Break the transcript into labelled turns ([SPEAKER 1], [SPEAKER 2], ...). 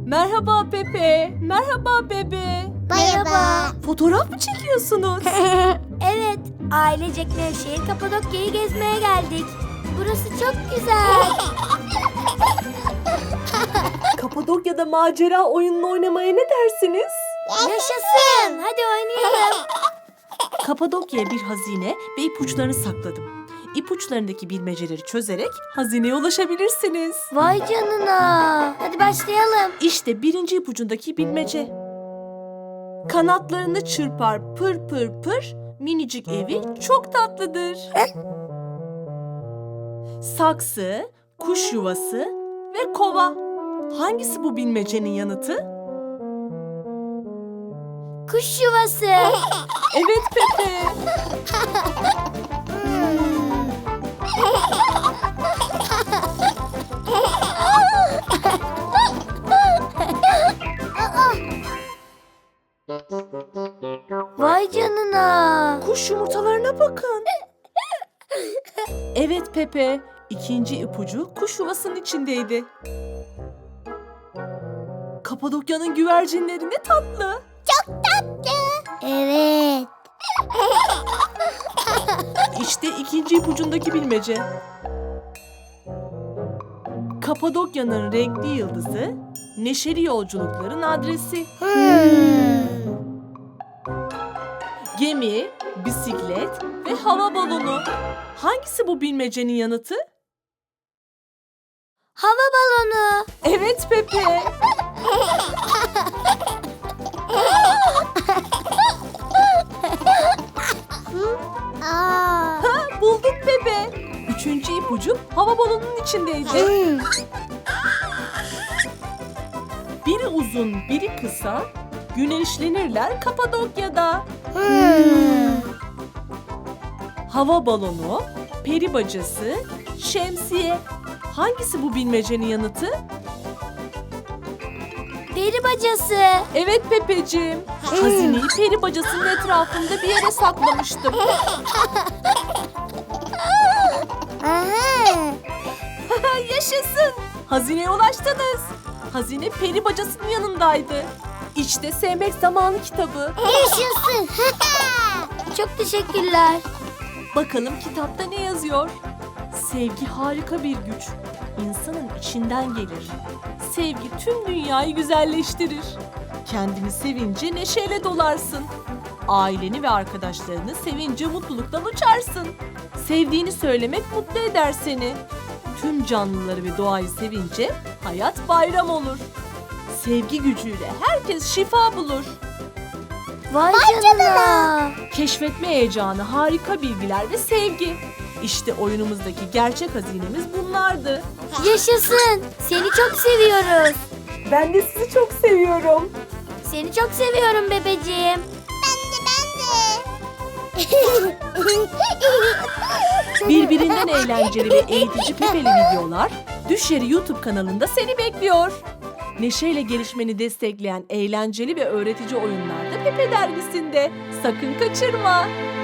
[SPEAKER 1] Merhaba Pepe. Merhaba Bebe.
[SPEAKER 2] Merhaba.
[SPEAKER 1] Fotoğraf mı çekiyorsunuz?
[SPEAKER 2] Evet, ailecek Nevşehir Kapadokya'yı gezmeye geldik. Burası çok güzel.
[SPEAKER 1] Kapadokya'da macera oyununu oynamaya ne dersiniz?
[SPEAKER 2] Yaşasın. Hadi oynayalım.
[SPEAKER 1] Kapadokya'ya bir hazine ve ipuçlarını sakladım. İpuçlarındaki bilmeceleri çözerek hazineye ulaşabilirsiniz.
[SPEAKER 2] Vay canına. Hadi başlayalım.
[SPEAKER 1] İşte birinci ipucundaki bilmece. Kanatlarını çırpar pır pır pır, minicik evi çok tatlıdır. Saksı, kuş yuvası ve kova. Hangisi bu bilmecenin yanıtı?
[SPEAKER 2] Kuş yuvası.
[SPEAKER 1] Evet Pepe.
[SPEAKER 2] Vay canına.
[SPEAKER 1] Kuş yumurtalarına bakın. Evet Pepe. İkinci ipucu kuş yuvasının içindeydi. Kapadokya'nın güvercinleri ne tatlı.
[SPEAKER 2] Evet.
[SPEAKER 1] İşte ikinci ipucundaki bilmece. Kapadokya'nın renkli yıldızı, neşeli yolculukların adresi. Gemi, bisiklet ve hava balonu. Hangisi bu bilmecenin yanıtı?
[SPEAKER 2] Hava balonu.
[SPEAKER 1] Evet Pepe. Ha, bulduk Pepe. Üçüncü ipucu hava balonunun içindeydi. Biri uzun, biri kısa, güneşlenirler Kapadokya'da. Hava balonu, peri bacası, şemsiye. Hangisi bu bilmecenin yanıtı?
[SPEAKER 2] Peri bacası.
[SPEAKER 1] Evet Pepeciğim. Hazineyi peri bacasının etrafında bir yere saklamıştım. Yaşasın. Hazineye ulaştınız. Hazine peri bacasının yanındaydı. İşte Sevmek Zamanı kitabı.
[SPEAKER 2] Yaşasın. Çok teşekkürler.
[SPEAKER 1] Bakalım kitapta ne yazıyor? Sevgi harika bir güç. İnsanın içinden gelir. Sevgi tüm dünyayı güzelleştirir. Kendini sevince neşeyle dolarsın. Aileni ve arkadaşlarını sevince mutluluktan uçarsın. Sevdiğini söylemek mutlu eder seni. Tüm canlıları ve doğayı sevince hayat bayram olur. Sevgi gücüyle herkes şifa bulur.
[SPEAKER 2] Vay canına.
[SPEAKER 1] Keşfetme heyecanı, harika bilgiler ve sevgi. İşte oyunumuzdaki gerçek hazinemiz bunlardı.
[SPEAKER 2] Yaşasın. Seni çok seviyoruz.
[SPEAKER 1] Ben de sizi çok seviyorum.
[SPEAKER 2] Seni çok seviyorum bebeciğim.
[SPEAKER 1] Birbirinden eğlenceli ve eğitici Pepeli videolar Düşleri YouTube kanalında seni bekliyor. Neşeyle gelişmeni destekleyen eğlenceli ve öğretici oyunlar da Pepe dergisinde. Sakın kaçırma.